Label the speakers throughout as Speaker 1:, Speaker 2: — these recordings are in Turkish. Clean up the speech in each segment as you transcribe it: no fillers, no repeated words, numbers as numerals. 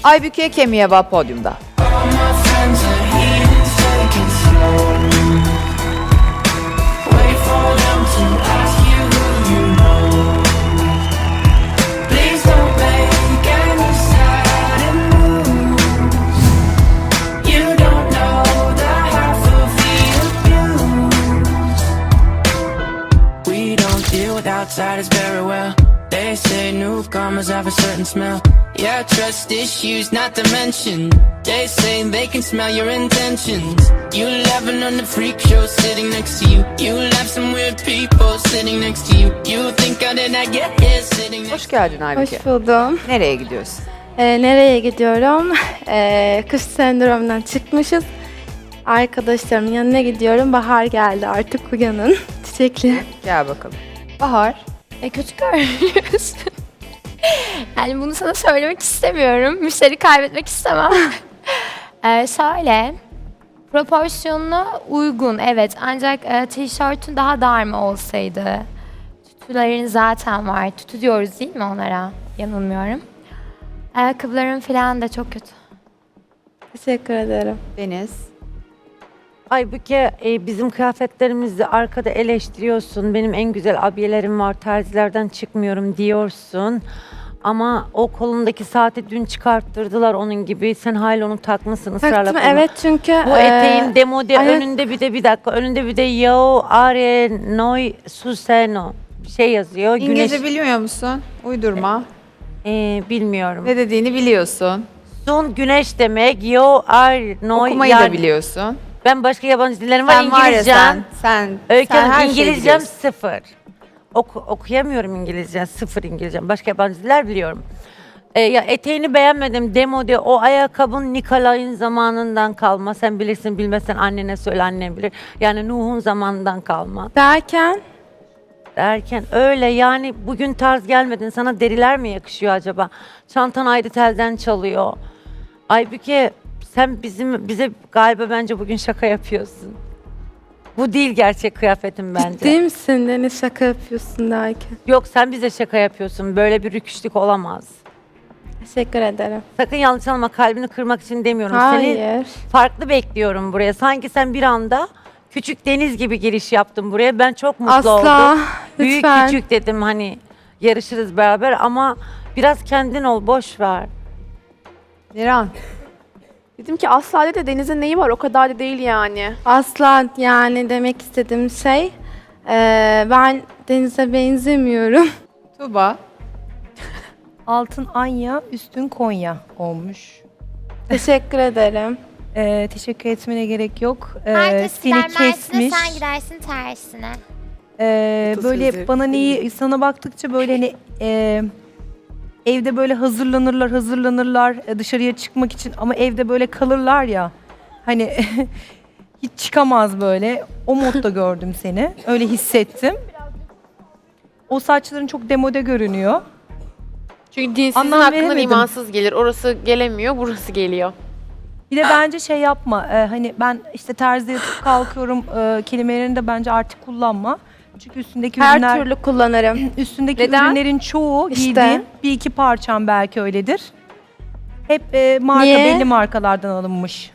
Speaker 1: Aybüke Kemiyeva podyumda.
Speaker 2: Outsiders very well. They say newcomers have a certain smell. Yeah, trust issues not to mention. They say they can smell your intentions. You laughing on the freak show sitting next to you. You laugh some weird people sitting next to you. You think how did I get here sitting next
Speaker 1: Hoş geldin Aybüke.
Speaker 3: Hoş buldum.
Speaker 1: Nereye gidiyorsun?
Speaker 3: Nereye gidiyorum? Kış sendromundan çıkmışız. Arkadaşlarımın yanına gidiyorum. Bahar geldi, artık uyanın. Çiçekli.
Speaker 1: Gel bakalım. Bahar.
Speaker 4: Kötü görünüyorsun. Yani bunu sana söylemek istemiyorum. Müşteri kaybetmek istemem. Şöyle, proporsiyonuna uygun evet. Ancak tişörtün daha dar mı olsaydı? Tütülerin zaten var. Tütü diyoruz değil mi onlara? Yanılmıyorum. Ayakkabıların falan da çok kötü.
Speaker 3: Teşekkür ederim.
Speaker 1: Deniz.
Speaker 5: Aybüke, bizim kıyafetlerimizi arkada eleştiriyorsun. Benim en güzel abiyelerim var, terzilerden çıkmıyorum diyorsun. Ama o kolundaki saati dün çıkarttırdılar onun gibi. Sen hala onu takmışsın ısrarla.
Speaker 3: Taktım
Speaker 5: koluna.
Speaker 3: evet çünkü...
Speaker 5: Bu eteğin demode
Speaker 3: ayak-
Speaker 5: önünde bir dakika. Önünde bir de yo are noi suseno bir şey yazıyor.
Speaker 1: İngilizce biliyor musun? Uydurma.
Speaker 5: Bilmiyorum.
Speaker 1: Ne dediğini biliyorsun.
Speaker 5: Sun güneş demek. Yo are noi
Speaker 1: Okumayı da biliyorsun.
Speaker 5: Ben başka yabancı dillerim var.
Speaker 1: Sen var ya
Speaker 5: İngilizcem.
Speaker 1: sen
Speaker 5: Öykü
Speaker 1: her
Speaker 5: Hanım,
Speaker 1: şeyi
Speaker 5: İngilizcem
Speaker 1: biliyorsun.
Speaker 5: sıfır. Okuyamıyorum İngilizce, sıfır İngilizcem. Başka yabancı diller biliyorum. Ya eteğini beğenmedim. Demode o ayakkabın Nikolay'ın zamanından kalma. Sen bilirsin bilmezsen annene söyle, annen bilir. Yani Nuh'un zamanından kalma. Derken öyle yani bugün tarz gelmedin. Sana deriler mi yakışıyor acaba? Çantan ayrı telden çalıyor. Aybüke sen bize galiba bence bugün şaka yapıyorsun. Bu değil gerçek kıyafetin bence.
Speaker 3: Ciddi misin Deniz, şaka yapıyorsun derken?
Speaker 5: Yok sen bize şaka yapıyorsun. Böyle bir rüküşlük olamaz.
Speaker 3: Teşekkür ederim.
Speaker 5: Sakın yanlış anlama, kalbini kırmak için demiyorum. Seni
Speaker 3: Hayır.
Speaker 5: farklı bekliyorum buraya. Sanki sen bir anda küçük Deniz gibi giriş yaptın buraya. Ben çok mutlu oldum.
Speaker 3: Asla.
Speaker 5: Büyük
Speaker 3: Lütfen.
Speaker 5: küçük dedim hani yarışırız beraber ama biraz kendin ol, boş ver.
Speaker 1: Niran.
Speaker 6: Dedim ki asla de Deniz'in neyi var, o kadar da değil yani.
Speaker 3: Asla yani demek istediğim şey, ben Deniz'e benzemiyorum.
Speaker 1: Tuğba.
Speaker 7: Altın Anya, üstün Konya olmuş.
Speaker 3: Teşekkür ederim.
Speaker 7: Teşekkür etmene gerek yok.
Speaker 4: Herkes
Speaker 7: Seni
Speaker 4: gider Mersin'e,
Speaker 7: kesmiş.
Speaker 4: sen gidersin tersine.
Speaker 7: Böyle bana neyi sana baktıkça böyle hani evde böyle hazırlanırlar dışarıya çıkmak için ama evde böyle kalırlar ya. Hani hiç çıkamaz böyle. O modda gördüm seni. Öyle hissettim. O saçların çok demode görünüyor.
Speaker 6: Çünkü dinsizin
Speaker 7: Anlam
Speaker 6: aklından
Speaker 7: veremedim.
Speaker 6: imansız gelir. Orası gelemiyor, burası geliyor.
Speaker 7: Bir de bence şey yapma. Hani ben işte terzide yatıp kalkıyorum kelimelerini de bence artık kullanma. Çünkü üstündeki
Speaker 3: Her
Speaker 7: ürünler,
Speaker 3: türlü kullanırım.
Speaker 7: üstündeki
Speaker 6: Neden?
Speaker 7: ürünlerin çoğu
Speaker 3: İşte.
Speaker 7: giydiğin bir iki parçam belki öyledir. Hep marka
Speaker 3: Niye?
Speaker 7: belli markalardan alınmış.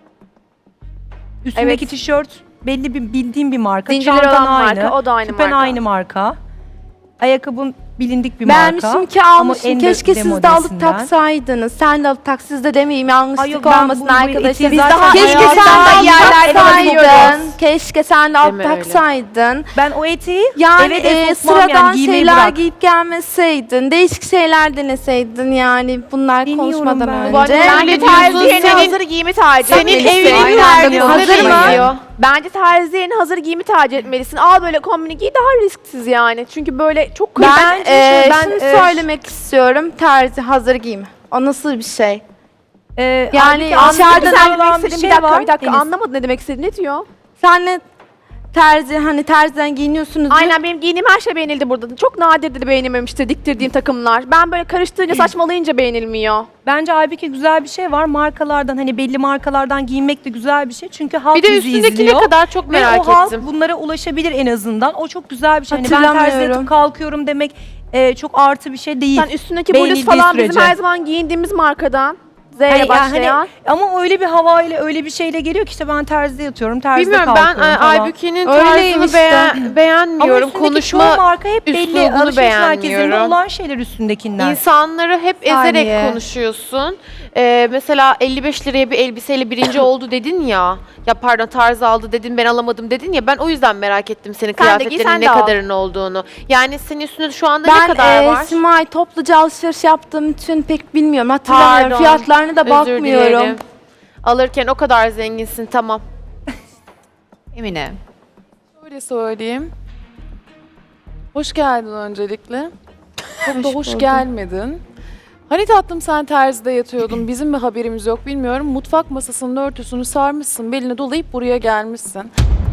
Speaker 7: Üstündeki
Speaker 6: Evet.
Speaker 7: tişört belli bir bildiğim bir marka.
Speaker 6: Zincirleri
Speaker 7: Çantan
Speaker 6: olan
Speaker 7: aynı.
Speaker 6: marka, o da aynı
Speaker 7: Küpen
Speaker 6: marka.
Speaker 7: aynı marka. Ayakkabın bilindik bir marka.
Speaker 3: Beğenmişim ki
Speaker 7: Ama
Speaker 3: almışım.
Speaker 7: en
Speaker 3: Keşke siz de alıp
Speaker 7: demodesinden.
Speaker 3: taksaydınız. Sen de alıp tak, siz de demeyeyim,
Speaker 7: Ay
Speaker 3: yanlışlık
Speaker 7: yok, ben
Speaker 3: olmasın
Speaker 7: bu
Speaker 3: arkadaşlar.
Speaker 7: etiği
Speaker 3: Biz
Speaker 7: zaten
Speaker 3: daha keşke
Speaker 7: hayatımda
Speaker 3: sen de alıp
Speaker 6: yerlerde
Speaker 3: taksaydın.
Speaker 6: giyiyoruz.
Speaker 3: Keşke sen de alıp
Speaker 6: Deme öyle.
Speaker 3: taksaydın.
Speaker 7: Ben o etiği
Speaker 3: Yani
Speaker 7: eve sokmam,
Speaker 3: sıradan
Speaker 7: yani giymeyi
Speaker 3: şeyler
Speaker 7: bırak.
Speaker 3: giyip gelmeseydin, değişik şeyler deneseydin yani bunlar
Speaker 7: Deniyorum
Speaker 3: konuşmadan
Speaker 7: ben.
Speaker 6: Bu arada
Speaker 3: önce.
Speaker 6: bence terziyenin hazır giyimi tercih
Speaker 7: Senin
Speaker 6: etmelisin.
Speaker 7: evinin
Speaker 6: Aynı
Speaker 7: yani,
Speaker 6: anda
Speaker 7: hazır
Speaker 6: konuşmayın.
Speaker 3: mı?
Speaker 6: Bence terziyenin hazır giyimi tercih etmelisin. Al böyle kombini giy, daha risksiz yani. Çünkü böyle çok
Speaker 3: Ben,
Speaker 7: ben,
Speaker 3: şunu
Speaker 7: e,
Speaker 3: söylemek istiyorum, terzi hazır giyim. O nasıl bir şey? Yani
Speaker 7: Halbuki
Speaker 3: dışarıdan
Speaker 7: anladığım
Speaker 6: sen demek
Speaker 7: olan
Speaker 6: istediğin
Speaker 7: şey
Speaker 6: bir dakika,
Speaker 7: var,
Speaker 6: bir dakika
Speaker 7: Deniz.
Speaker 6: anlamadım ne demek istediğini. Ne diyor?
Speaker 3: Senle terzi, hani terziden giyiniyorsunuz.
Speaker 6: Aynen, benim giydiğim her şey beğenildi burada. Çok nadirdir de beğenilmemiştir diktirdiğim takımlar. Ben böyle karıştırınca, saçmalayınca beğenilmiyor.
Speaker 7: Bence Aybüke güzel bir şey var. Markalardan hani belli markalardan giyinmek de güzel bir şey. Çünkü halk
Speaker 6: Bir de
Speaker 7: bizi
Speaker 6: üstündeki
Speaker 7: izliyor.
Speaker 6: ne kadar çok
Speaker 7: Ve
Speaker 6: merak
Speaker 7: o halk
Speaker 6: ettim.
Speaker 7: bunlara ulaşabilir en azından. O çok güzel bir şey. Hani ben
Speaker 3: Hatırlamıyorum.
Speaker 7: terzi yatıp kalkıyorum demek çok artı bir şey değil.
Speaker 6: Sen üstündeki
Speaker 7: Beğenildiği
Speaker 6: bluz falan bizim
Speaker 7: sürece.
Speaker 6: her zaman giyindiğimiz markadan. Z ile
Speaker 7: Hani, yani
Speaker 6: başlayan.
Speaker 7: ama öyle bir havayla öyle bir şeyle geliyor ki işte ben terzide yatıyorum, terzide
Speaker 8: Bilmiyorum ben
Speaker 7: kalkıyorum falan.
Speaker 8: Aybüke'nin
Speaker 6: Öyleyim
Speaker 8: tarzını
Speaker 6: işte.
Speaker 8: beğenmiyorum.
Speaker 7: Ama üstündeki çoğu
Speaker 8: Konuşma
Speaker 7: marka hep belli.
Speaker 8: üslubunu
Speaker 7: Alışveriş merkezinde
Speaker 8: beğenmiyorum.
Speaker 7: olan şeyler üstündekiler.
Speaker 8: İnsanları hep
Speaker 1: Saniye.
Speaker 8: ezerek konuşuyorsun. Mesela 55 liraya bir elbiseyle birinci oldu dedin ya. Ya pardon tarz aldı dedin ben alamadım dedin ya. Ben o yüzden merak ettim senin
Speaker 6: Sen de giy,
Speaker 8: kıyafetlerin
Speaker 6: sen
Speaker 8: ne
Speaker 6: de al.
Speaker 8: kadarın olduğunu. Yani senin üstünde şu anda ne
Speaker 3: Ben
Speaker 8: kadar var?
Speaker 3: Simay topluca alışveriş yaptığım için pek bilmiyorum. Hatırlamıyorum.
Speaker 8: Pardon,
Speaker 3: Fiyatlarına da
Speaker 8: Özür
Speaker 3: bakmıyorum.
Speaker 8: dilerim. Alırken o kadar zenginsin tamam.
Speaker 1: Emine.
Speaker 9: Şöyle söyleyeyim. Hoş geldin öncelikle. Çok da hoş
Speaker 3: buldum.
Speaker 9: gelmedin. Hani tatlım sen terzide yatıyordun, bizim mi haberimiz yok bilmiyorum. Mutfak masasının örtüsünü sarmışsın, beline dolayıp buraya gelmişsin.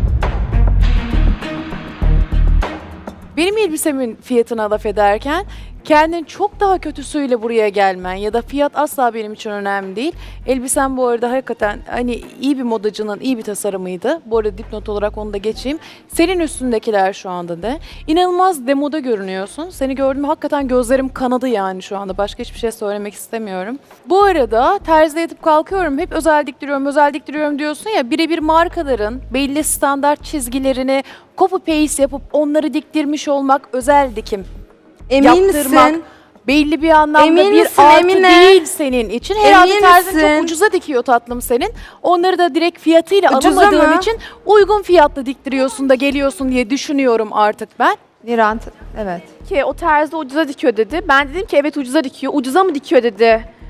Speaker 9: Benim elbisemin fiyatına laf ederken kendin çok daha kötüsüyle buraya gelmen ya da fiyat asla benim için önemli değil. Elbisen bu arada hakikaten hani iyi bir modacının iyi bir tasarımıydı. Bu arada dipnot olarak onu da geçeyim. Senin üstündekiler şu anda ne? İnanılmaz demoda görünüyorsun. Seni gördüğümde hakikaten gözlerim kanadı yani şu anda. Başka hiçbir şey söylemek istemiyorum. Bu arada terzide yatıp kalkıyorum. Hep özel diktiriyorum diyorsun ya. Birebir markaların belli standart çizgilerini copy paste yapıp onları diktirmiş olmak özel dikim.
Speaker 3: Emin
Speaker 9: Yaptırmak
Speaker 3: misin?
Speaker 9: belli bir anlamda
Speaker 3: Emin
Speaker 9: bir
Speaker 3: misin,
Speaker 9: artı
Speaker 3: Emine?
Speaker 9: değil senin için. Herhalde
Speaker 3: Emin
Speaker 9: terzin
Speaker 3: misin?
Speaker 9: çok ucuza dikiyor tatlım senin. Onları da direkt fiyatıyla
Speaker 3: Ucuza
Speaker 9: alamadığın
Speaker 3: mı?
Speaker 9: için uygun fiyatla diktiriyorsun da geliyorsun diye düşünüyorum artık ben.
Speaker 1: Niran. Evet.
Speaker 6: Ki o terzi ucuza dikiyor dedi. Ben dedim ki evet ucuza dikiyor. Ucuza mı dikiyor dedi.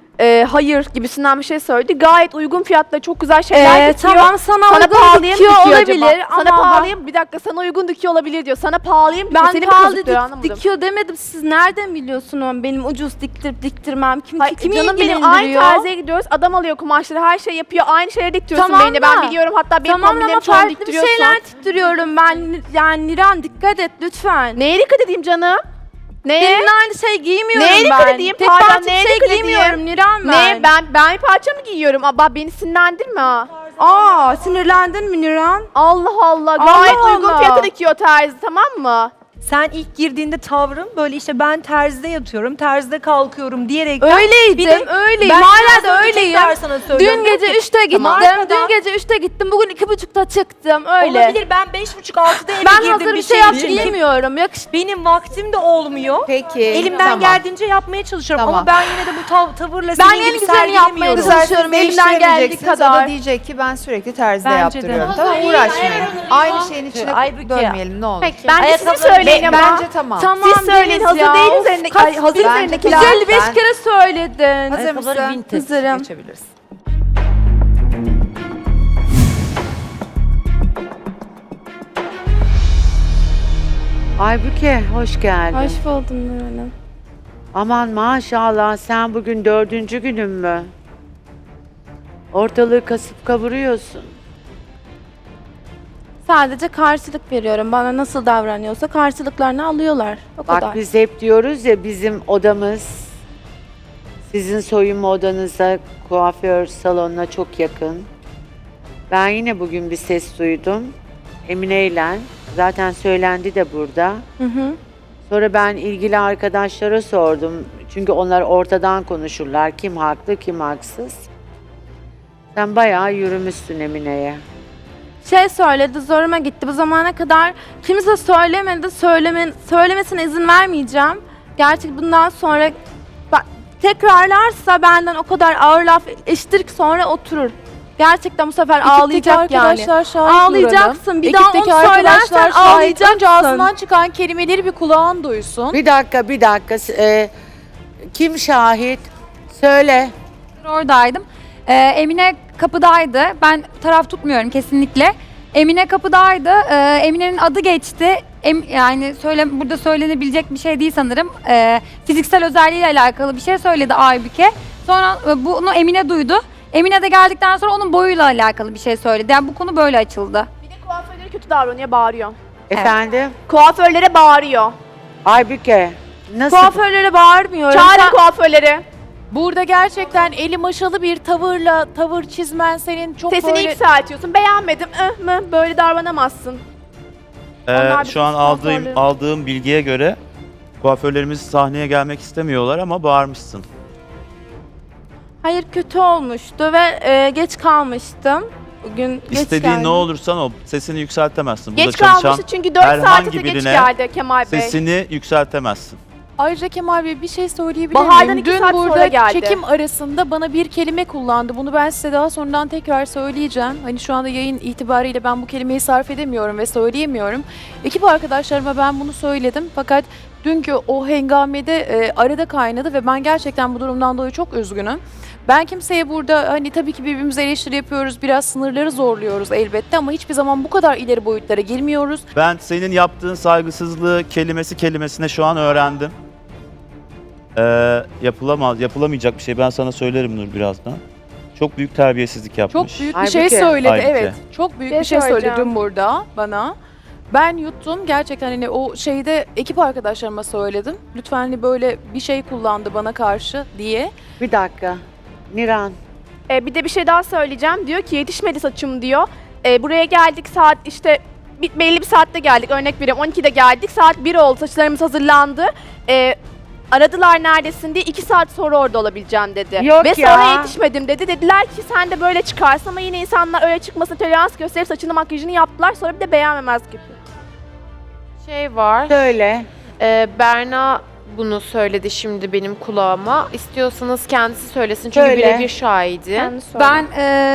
Speaker 6: Hayır gibisinden bir şey söyledi. Gayet uygun fiyatla çok güzel şeyler dikiyor.
Speaker 3: Tamam sana
Speaker 6: Sana
Speaker 3: uygun
Speaker 6: pahalıya mı
Speaker 3: dikiyor
Speaker 6: dikiyor
Speaker 3: olabilir
Speaker 6: acaba? Sana
Speaker 3: ama
Speaker 6: pahalıya mı? Bir dakika sana uygun dikiyor olabilir diyor. Sana pahalıya mı dikiyor?
Speaker 3: ben
Speaker 6: Seni mi
Speaker 3: pahalı
Speaker 6: kazıklıyor anlamadım.
Speaker 3: dikiyor demedim. Siz nereden biliyorsunuz benim ucuz diktirip diktirmem?
Speaker 6: Hayır,
Speaker 3: Kimi
Speaker 6: canım benim
Speaker 3: ilgilendiriyor?
Speaker 6: aynı terziye gidiyoruz. Adam alıyor kumaşları, her şey yapıyor. Aynı şeyleri diktiriyorsun
Speaker 3: Tamam
Speaker 6: beni.
Speaker 3: da.
Speaker 6: Ben biliyorum. Hatta benim
Speaker 3: Tamam ama
Speaker 6: kombinlerimi çoğunu
Speaker 3: farklı bir
Speaker 6: diktiriyorsun.
Speaker 3: şeyler diktiriyorum ben. Yani Niran dikkat et lütfen.
Speaker 6: Neye dikkat edeyim canım? Neye?
Speaker 3: Senin aynı şey giymiyorum
Speaker 6: Neye
Speaker 3: ben.
Speaker 6: dikkat edeyim?
Speaker 3: Tek
Speaker 6: Pardon,
Speaker 3: parça bir
Speaker 6: neye
Speaker 3: şey
Speaker 6: dikkat edeyim?
Speaker 3: giymiyorum Niran
Speaker 6: Ne? Ben bir parça mı giyiyorum? Aba beni sinirlendirme ha.
Speaker 3: Aa sinirlendin mi Niran?
Speaker 6: Allah Allah.
Speaker 3: Allah
Speaker 6: Gayet uygun
Speaker 3: Allah.
Speaker 6: fiyata dikiyor terzi, tamam mı?
Speaker 7: Sen ilk girdiğinde tavrın böyle işte ben terzide yatıyorum, terzide kalkıyorum diyerek
Speaker 3: Öyleydim, öyleyim. Hala da öyleyim.
Speaker 7: Sana
Speaker 3: Dün
Speaker 7: söylüyorum.
Speaker 3: gece 3'te gittim.
Speaker 7: Markadan-
Speaker 3: Dün gece 3'te gittim. Bugün 2.30'da çıktım. Öyle.
Speaker 7: Olabilir, ben 5.30-6'da eve
Speaker 3: Ben
Speaker 7: girdim
Speaker 3: hazır bir şey
Speaker 7: için.
Speaker 3: giymiyorum.
Speaker 7: Benim vaktim de olmuyor.
Speaker 1: Peki.
Speaker 7: Elimden
Speaker 1: tamam.
Speaker 7: geldiğince yapmaya çalışıyorum
Speaker 1: Tamam.
Speaker 7: ama ben yine de bu tavırla
Speaker 3: Ben
Speaker 7: senin
Speaker 3: en
Speaker 7: gibi
Speaker 3: güzelini yapmaya
Speaker 7: sergilemiyorum.
Speaker 3: çalışıyorum. Elimden geldiği
Speaker 1: Değiştiremeyeceksiniz. O da
Speaker 3: kadar.
Speaker 1: diyecek ki ben sürekli terzide
Speaker 7: Bence de.
Speaker 1: yaptırıyorum. Tamam uğraşmayın. Aynı şeyin içine
Speaker 5: Aybüke.
Speaker 1: dönmeyelim ne olur.
Speaker 8: Peki.
Speaker 6: Ben de sizi
Speaker 5: Ayakkabı-
Speaker 6: söyleyin ama.
Speaker 1: Bence tamam.
Speaker 3: Tamam
Speaker 6: Siz söyleyin.
Speaker 3: Deniz
Speaker 6: Hazır
Speaker 3: ya.
Speaker 6: değil
Speaker 3: Of,
Speaker 6: üzerindeki.
Speaker 3: kaç-
Speaker 6: Hazır
Speaker 1: Bence
Speaker 6: üzerindekiler.
Speaker 1: güzel.
Speaker 3: 155
Speaker 1: Ben-
Speaker 3: kere söyledin.
Speaker 1: Hazır
Speaker 5: Ayakkabıları
Speaker 1: mısın?
Speaker 5: vintage.
Speaker 3: Hazırım.
Speaker 1: Geçebilirsin.
Speaker 10: Aybüke hoş geldin.
Speaker 3: Hoş buldum Nur Hanım.
Speaker 10: Aman maşallah sen bugün 4. günün mü? Ortalığı kasıp kavuruyorsun.
Speaker 3: Sadece karşılık veriyorum. Bana nasıl davranıyorsa karşılıklarını alıyorlar. O kadar.
Speaker 10: Bak biz hep diyoruz ya bizim odamız sizin soyunma odanıza kuaför salonuna çok yakın. Ben yine bugün bir ses duydum. Emine ile zaten söylendi de burada.
Speaker 3: Hı hı.
Speaker 10: Sonra ben ilgili arkadaşlara sordum. Çünkü onlar ortadan konuşurlar. Kim haklı, kim haksız. Sen bayağı yürümüşsün Emine'ye.
Speaker 3: Şey söyledi, zoruma gitti. Bu zamana kadar kimse söylemedi, söylemesine izin vermeyeceğim. Gerçek bundan sonra tekrarlarsa benden o kadar ağır laf eşittir ki sonra oturur. Gerçekten bu sefer ağlayacak yani.
Speaker 9: arkadaşlar şahit
Speaker 3: Ağlayacaksın. Bir daha
Speaker 9: Ekipteki
Speaker 3: onu
Speaker 9: arkadaşlar
Speaker 3: söylersen
Speaker 9: şahit.
Speaker 3: ağlayacaksın.
Speaker 9: Önce ağzından çıkan kelimeleri bir kulağın duysun.
Speaker 10: Bir dakika. Kim şahit? Söyle.
Speaker 11: Oradaydım. Emine kapıdaydı. Ben taraf tutmuyorum kesinlikle. Emine kapıdaydı. Emine'nin adı geçti. Yani burada söylenebilecek bir şey değil sanırım. Fiziksel özelliğiyle alakalı bir şey söyledi Aybüke. Sonra bunu Emine duydu. Emine de geldikten sonra onun boyuyla alakalı bir şey söyledi. Yani bu konu böyle açıldı.
Speaker 6: Bir de kuaförlere kötü davranıyor, bağırıyor.
Speaker 10: Efendim?
Speaker 6: Kuaförlere bağırıyor.
Speaker 10: Aybüke. Nasıl?
Speaker 3: Kuaförlere bağırmıyorum.
Speaker 6: Çağırın kuaförleri.
Speaker 9: Burada gerçekten eli maşalı bir tavır çizmen senin çok
Speaker 6: Sesini
Speaker 9: böyle...
Speaker 6: yükseltiyorsun. Beğenmedim. Böyle davranamazsın. Onlar
Speaker 12: Şu an
Speaker 6: bizim
Speaker 12: aldığım bilgiye göre kuaförlerimiz sahneye gelmek istemiyorlar ama bağırmışsın.
Speaker 3: Hayır, kötü olmuştu ve geç kalmıştım. Bugün geç
Speaker 12: İstediğin
Speaker 3: geldim.
Speaker 12: ne olursan ol. Sesini yükseltemezsin. Burada
Speaker 6: Geç
Speaker 12: çalışan
Speaker 6: kalmıştı çünkü 4 saate
Speaker 12: herhangi
Speaker 6: de geç
Speaker 12: birine
Speaker 6: geldi Kemal Bey.
Speaker 12: sesini yükseltemezsin.
Speaker 9: Ayrıca Kemal Bey bir şey söyleyebilir
Speaker 6: Bahar'dan
Speaker 9: miyim?
Speaker 6: 2
Speaker 9: Dün
Speaker 6: saat sonra
Speaker 9: burada
Speaker 6: geldi.
Speaker 9: çekim arasında bana bir kelime kullandı. Bunu ben size daha sonradan tekrar söyleyeceğim. Hani şu anda yayın itibariyle ben bu kelimeyi sarf edemiyorum ve söyleyemiyorum. Ekip arkadaşlarıma ben bunu söyledim. Fakat dünkü o hengamede arada kaynadı ve ben gerçekten bu durumdan dolayı çok üzgünüm. Ben kimseye burada hani tabii ki birbirimize eleştiri yapıyoruz, biraz sınırları zorluyoruz elbette ama hiçbir zaman bu kadar ileri boyutlara girmiyoruz.
Speaker 12: Ben senin yaptığın saygısızlığı kelimesine şu an öğrendim. Yapılamayacak bir şey. Ben sana söylerim Nur birazdan. Çok büyük terbiyesizlik yapmış.
Speaker 9: Çok büyük bir
Speaker 10: Halbuki-
Speaker 9: şey söyledi,
Speaker 12: Halbuki.
Speaker 9: evet. Çok büyük
Speaker 6: Bir
Speaker 9: bir şey
Speaker 6: şey
Speaker 9: söyledi
Speaker 6: söyleyeceğim.
Speaker 9: dün burada bana. Ben yuttum. Gerçekten hani o şeyde ekip arkadaşlarıma söyledim. Lütfen hani böyle bir şey kullandı bana karşı diye.
Speaker 10: Bir dakika. Niran.
Speaker 6: Bir de bir şey daha söyleyeceğim. Diyor ki yetişmedi saçım diyor. Buraya geldik saat işte belli bir saatte geldik. Örnek veriyorum 12'de geldik. Saat 1 oldu. Saçlarımız hazırlandı. Aradılar neredesin diye 2 saat sonra orada olabileceğim dedi.
Speaker 10: Yok
Speaker 6: Ve
Speaker 10: ya.
Speaker 6: sonra yetişmedim dedi. Dediler ki sen de böyle çıkarsın ama yine insanlar öyle çıkmasına tolerans gösterip saçını makyajını yaptılar. Sonra bir de beğenmemez gibi.
Speaker 8: Şey var.
Speaker 10: Söyle.
Speaker 8: Berna bunu söyledi şimdi benim kulağıma. İstiyorsanız kendisi söylesin çünkü
Speaker 10: Söyle.
Speaker 8: birebir şahidi.
Speaker 6: Sen söyle.
Speaker 11: Ben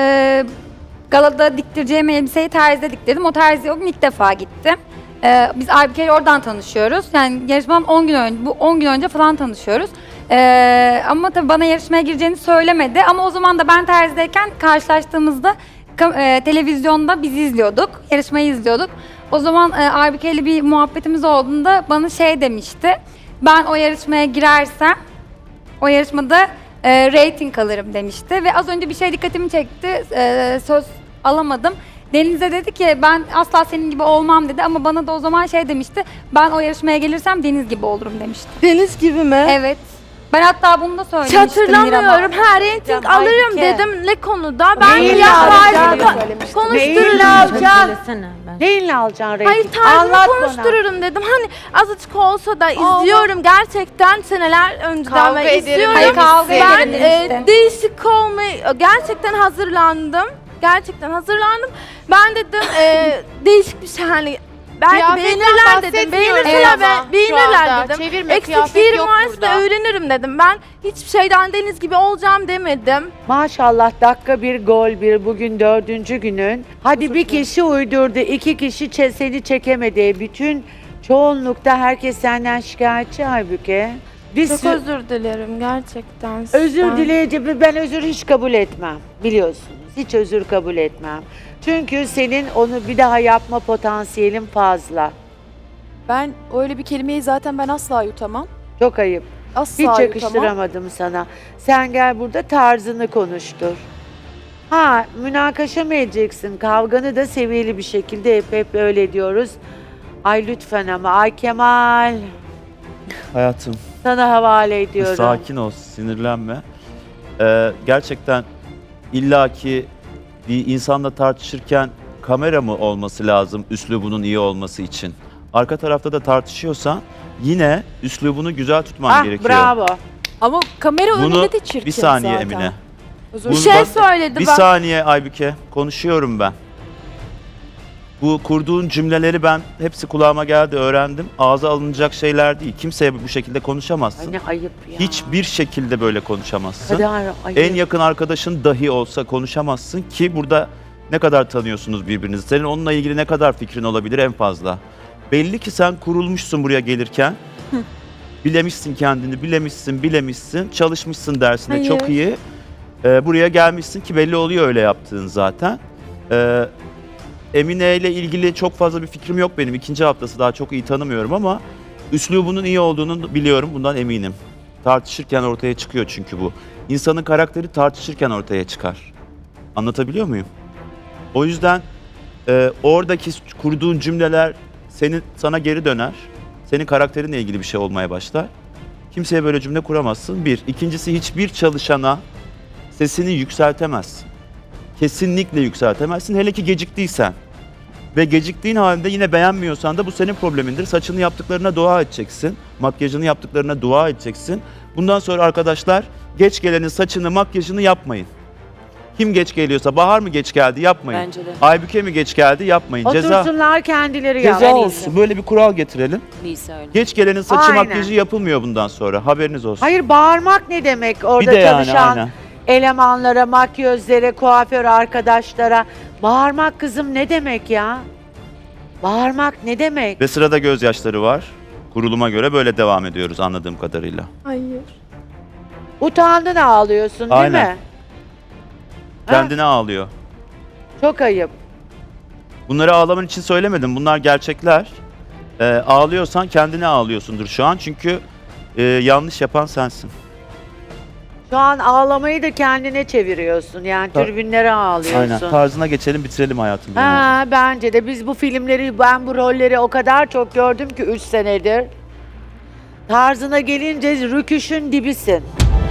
Speaker 11: galada diktireceğim elbiseyi terzide diktirdim. O terziye o gün ilk defa gittim. Biz Aybüke ile oradan tanışıyoruz. Yani yarışmadan 10 gün önce, bu 10 gün önce falan tanışıyoruz. Ama tabii bana yarışmaya gireceğini söylemedi. Ama o zaman da ben terzideyken karşılaştığımızda televizyonda bizi izliyorduk. Yarışmayı izliyorduk. O zaman Aybüke ile bir muhabbetimiz olduğunda bana şey demişti. Ben o yarışmaya girersem o yarışmada rating alırım demişti. Ve az önce bir şey dikkatimi çekti. Söz alamadım. Deniz'e dedi ki ben asla senin gibi olmam dedi ama bana da o zaman şey demişti. Ben o yarışmaya gelirsem Deniz gibi olurum demişti.
Speaker 3: Deniz gibi mi?
Speaker 11: Evet. Ben hatta bunu da
Speaker 3: Hiç
Speaker 11: söylemiştim.
Speaker 3: hatırlamıyorum. Her rating alırım
Speaker 5: Aybüke.
Speaker 3: dedim. Ne konuda? Ben
Speaker 10: Neyle
Speaker 3: fiyatlarını
Speaker 10: alacaksın?
Speaker 6: söylemiştim.
Speaker 3: konuşturacağım.
Speaker 10: Neyle alacaksın
Speaker 3: Hayır
Speaker 10: reyting?
Speaker 3: tarzını
Speaker 10: Anlat bana.
Speaker 3: konuştururum dedim. Hani azıcık olsa da izliyorum gerçekten seneler önceden
Speaker 8: Kavga
Speaker 3: ve
Speaker 8: ederim
Speaker 3: izliyorum.
Speaker 11: Hayır, kavga
Speaker 3: Ben
Speaker 11: ederim demiştin.
Speaker 3: değişik olmayı gerçekten hazırlandım. Gerçekten hazırlandım. Ben dedim değişik bir şey hani belki
Speaker 8: Kıyafetten
Speaker 3: beğenirler dedim.
Speaker 8: bahsetmiyoruz
Speaker 3: Beğenirler,
Speaker 8: ama şu
Speaker 3: beğenirler
Speaker 8: anda.
Speaker 3: dedim.
Speaker 8: Çevirme,
Speaker 3: Eksik
Speaker 8: kıyafet
Speaker 3: yerim
Speaker 8: yok
Speaker 3: varsa
Speaker 8: burada.
Speaker 3: da öğrenirim dedim. Ben hiçbir şeyden Deniz gibi olacağım demedim.
Speaker 10: Maşallah dakika bir gol bir bugün 4. günün. Hadi bir kişi uydurdu, 2 kişi seni çekemedi. Bütün çoğunlukta herkes senden şikayetçi Aybüke.
Speaker 3: Çok özür dilerim gerçekten.
Speaker 10: Özür
Speaker 3: sizden.
Speaker 10: dileyeceğim. Ben özür hiç kabul etmem. Biliyorsunuz. Hiç özür kabul etmem. Çünkü senin onu bir daha yapma potansiyelin fazla.
Speaker 9: Ben öyle bir kelimeyi zaten ben asla yutamam.
Speaker 10: Çok ayıp.
Speaker 9: Asla
Speaker 10: Hiç
Speaker 9: yutamam.
Speaker 10: yakıştıramadım sana. Sen gel burada tarzını konuştur. Ha, münakaşa mı edeceksin? Kavganı da seviyeli bir şekilde hep öyle diyoruz. Ay lütfen ama. Ay Kemal.
Speaker 12: Hayatım
Speaker 10: Sana havale ediyorum.
Speaker 12: sakin ol, sinirlenme. Gerçekten illaki bir insanla tartışırken kamera mı olması lazım üslubunun iyi olması için? Arka tarafta da tartışıyorsan yine üslubunu güzel tutman
Speaker 10: Ah
Speaker 12: gerekiyor.
Speaker 10: bravo.
Speaker 9: Ama kamera
Speaker 12: Bunu
Speaker 9: önünde de çirkin
Speaker 12: bir saniye
Speaker 9: zaten.
Speaker 12: Emine.
Speaker 9: Özür
Speaker 12: Bunu
Speaker 3: Bir şey
Speaker 12: bak-
Speaker 3: söyledi
Speaker 12: Bir
Speaker 3: bak.
Speaker 12: saniye Aybüke, konuşuyorum ben. Bu kurduğun cümleleri ben hepsi kulağıma geldi, öğrendim. Ağza alınacak şeyler değil. Kimseye bu şekilde konuşamazsın.
Speaker 10: Ay ne ayıp ya.
Speaker 12: Hiçbir şekilde böyle konuşamazsın.
Speaker 10: Kadar ayıp.
Speaker 12: En yakın arkadaşın dahi olsa konuşamazsın ki burada ne kadar tanıyorsunuz birbirinizi. Senin onunla ilgili ne kadar fikrin olabilir en fazla. Belli ki sen kurulmuşsun buraya gelirken. Bilemişsin kendini, bilemişsin. Çalışmışsın dersine
Speaker 3: Hayır.
Speaker 12: çok iyi. Buraya gelmişsin ki belli oluyor öyle yaptığın zaten. Emine ile ilgili çok fazla bir fikrim yok benim. 2. haftası daha çok iyi tanımıyorum ama üslubunun iyi olduğunu biliyorum. Bundan eminim. Tartışırken ortaya çıkıyor çünkü bu. İnsanın karakteri tartışırken ortaya çıkar. Anlatabiliyor muyum? O yüzden oradaki kurduğun cümleler sana geri döner. Senin karakterinle ilgili bir şey olmaya başlar. Kimseye böyle cümle kuramazsın. Bir. İkincisi hiçbir çalışana sesini yükseltemezsin. Kesinlikle yükseltemezsin. Hele ki geciktiysen. Ve geciktiğin halde yine beğenmiyorsan da bu senin problemindir. Saçını yaptıklarına dua edeceksin. Makyajını yaptıklarına dua edeceksin. Bundan sonra arkadaşlar geç gelenin saçını, makyajını yapmayın. Kim geç geliyorsa, Bahar mı geç geldi yapmayın.
Speaker 13: Bence de.
Speaker 12: Aybüke mi geç geldi yapmayın.
Speaker 10: Otursunlar kendileri
Speaker 12: Ceza
Speaker 10: yapsın.
Speaker 12: olsun. Böyle bir kural getirelim.
Speaker 13: Neyse öyle.
Speaker 12: Geç gelenin saçı
Speaker 10: Aynen.
Speaker 12: makyajı yapılmıyor bundan sonra. Haberiniz olsun.
Speaker 10: Hayır, bağırmak ne demek? Orada
Speaker 12: bir de yani
Speaker 10: çalışan
Speaker 12: aynen.
Speaker 10: elemanlara, makyözlere, kuaför arkadaşlara. Bağırmak kızım ne demek ya? Bağırmak ne demek?
Speaker 12: Ve sırada gözyaşları var. Kuruluma göre böyle devam ediyoruz anladığım kadarıyla.
Speaker 6: Hayır.
Speaker 10: Utandın ağlıyorsun değil
Speaker 12: Aynen.
Speaker 10: mi? Ha?
Speaker 12: Kendine ağlıyor.
Speaker 10: Çok ayıp.
Speaker 12: Bunları ağlaman için söylemedim. Bunlar gerçekler. Ağlıyorsan kendine ağlıyorsundur şu an. Çünkü yanlış yapan sensin.
Speaker 10: Şu an ağlamayı da kendine çeviriyorsun. Yani tribünlere ağlıyorsun.
Speaker 12: Aynen. Tarzına geçelim, bitirelim hayatım.
Speaker 10: Ha, bence de biz bu filmleri, ben bu rolleri o kadar çok gördüm ki 3 senedir. Tarzına gelince rüküşün dibisin.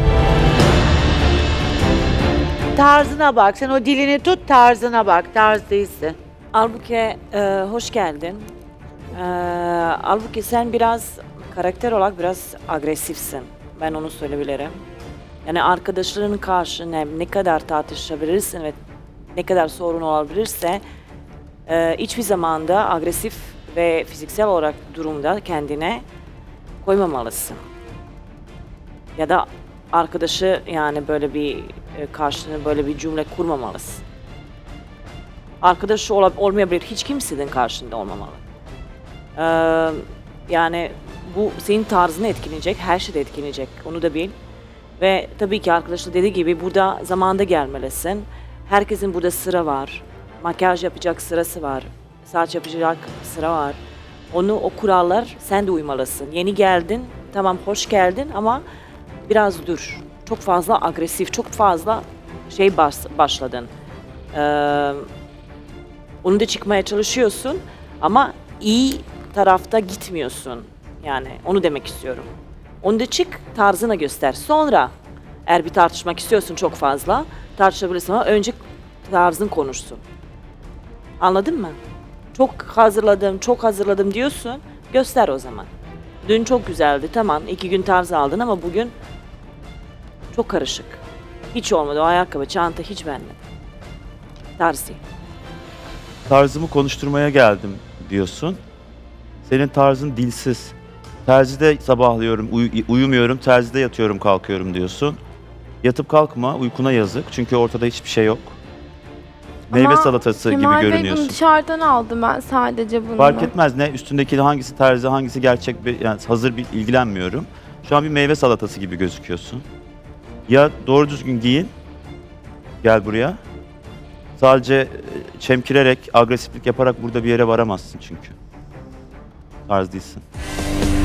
Speaker 10: Tarzına bak. Sen o dilini tut, tarzına bak. Tarz değilsin.
Speaker 13: Halbuki hoş geldin. Halbuki sen biraz karakter olarak biraz agresifsin. Ben onu söyleyebilirim. Yani arkadaşlarının karşı ne kadar tartışabilirsin ve ne kadar sorun olabilirse hiçbir zamanda agresif ve fiziksel olarak durumda kendine koymamalısın. Ya da arkadaşı yani böyle bir karşına böyle bir cümle kurmamalısın. Arkadaşı olmayabilir, hiç kimsenin karşında olmamalı. Yani bu senin tarzını etkileyecek, her şeyde etkileyecek, onu da bil. Ve tabii ki arkadaşlar dediği gibi burada zamanda gelmelisin. Herkesin burada sıra var. Makyaj yapacak sırası var. Saç yapacak sıra var. O kurallar sen de uymalısın. Yeni geldin, tamam hoş geldin ama biraz dur. Çok fazla agresif, çok fazla başladın. Onu da çıkmaya çalışıyorsun ama iyi tarafta gitmiyorsun. Yani onu demek istiyorum. Onu da çık, tarzına göster. Sonra eğer bir tartışmak istiyorsun çok fazla, tartışabilirsin ama önce tarzın konuşsun. Anladın mı? Çok hazırladım diyorsun, göster o zaman. Dün çok güzeldi, tamam 2 gün tarz aldın ama bugün çok karışık. Hiç olmadı, o ayakkabı, çanta hiç beğenmedim. Tarz değil.
Speaker 12: Tarzımı konuşturmaya geldim diyorsun. Senin tarzın dilsiz. Terzide sabahlıyorum, uyumuyorum, terzide yatıyorum, kalkıyorum diyorsun. Yatıp kalkma, uykuna yazık. Çünkü ortada hiçbir şey yok. Meyve salatası gibi
Speaker 3: Kemal Bey
Speaker 12: görünüyorsun.
Speaker 3: bunu dışarıdan aldım ben sadece bunu.
Speaker 12: Fark etmez ne üstündeki hangisi terzi, hangisi gerçek bir yani hazır bir ilgilenmiyorum. Şu an bir meyve salatası gibi gözüküyorsun. Ya doğru düzgün giyin. Gel buraya. Sadece çemkirerek, agresiflik yaparak burada bir yere varamazsın çünkü. Tarz değilsin.